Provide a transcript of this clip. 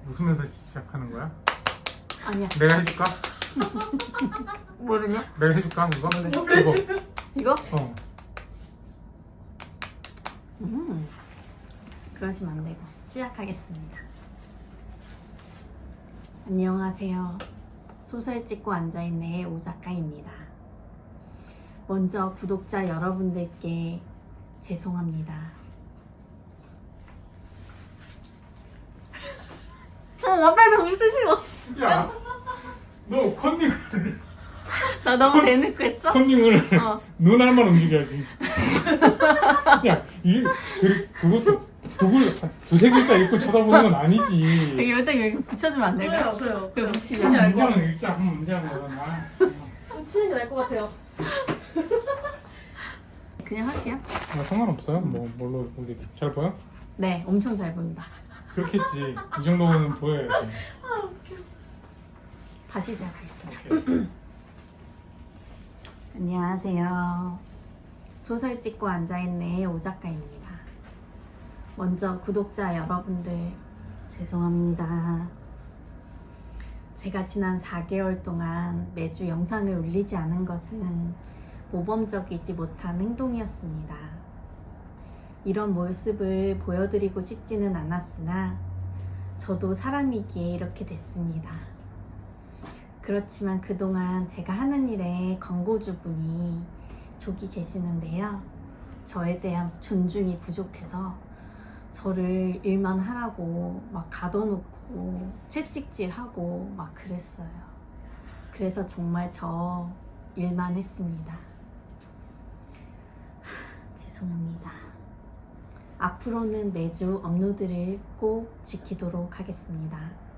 웃으면서 시작하는 거야? 아니야. 내가 해줄까? 뭐를요? 내가 해줄까? 이거? 이거? 어. 그러시면 안 되고 시작하겠습니다. 안녕하세요. 소설 찍고 앉아있네의 오 작가입니다. 먼저 구독자 여러분들께 죄송합니다. 앞에서 웃으시고. 야, 너 컨닝을 나 너무 대놓고 했어? 컨닝을 눈알만 움직여야지. 야, 그것도 두세 글자 읽고 쳐다보는 건 아니지. 여기 붙여주면 안 될까요? 그래요. 그럼 붙이자. 진짜 알고 문장은 읽자. 한 문장은 거잖아. 치는 게 나을 것 같아요. 그냥 할게요. 상관없어요. 뭘로 우리 잘 보여? 네, 엄청 잘 보인다. 그렇겠지. 이 정도는 보여야지. 다시 시작하겠습니다. 오케이. 안녕하세요. 소설 찍고 앉아있네의 오 작가입니다. 먼저 구독자 여러분들 죄송합니다. 제가 지난 4개월 동안 매주 영상을 올리지 않은 것은 모범적이지 못한 행동이었습니다. 이런 모습을 보여드리고 싶지는 않았으나 저도 사람이기에 이렇게 됐습니다. 그렇지만 그동안 제가 하는 일에 광고주분이 족이 계시는데요. 저에 대한 존중이 부족해서 저를 일만 하라고 막 가둬놓고 채찍질하고 막 그랬어요. 그래서 정말 저 일만 했습니다. 죄송합니다. 앞으로는 매주 업로드를 꼭 지키도록 하겠습니다.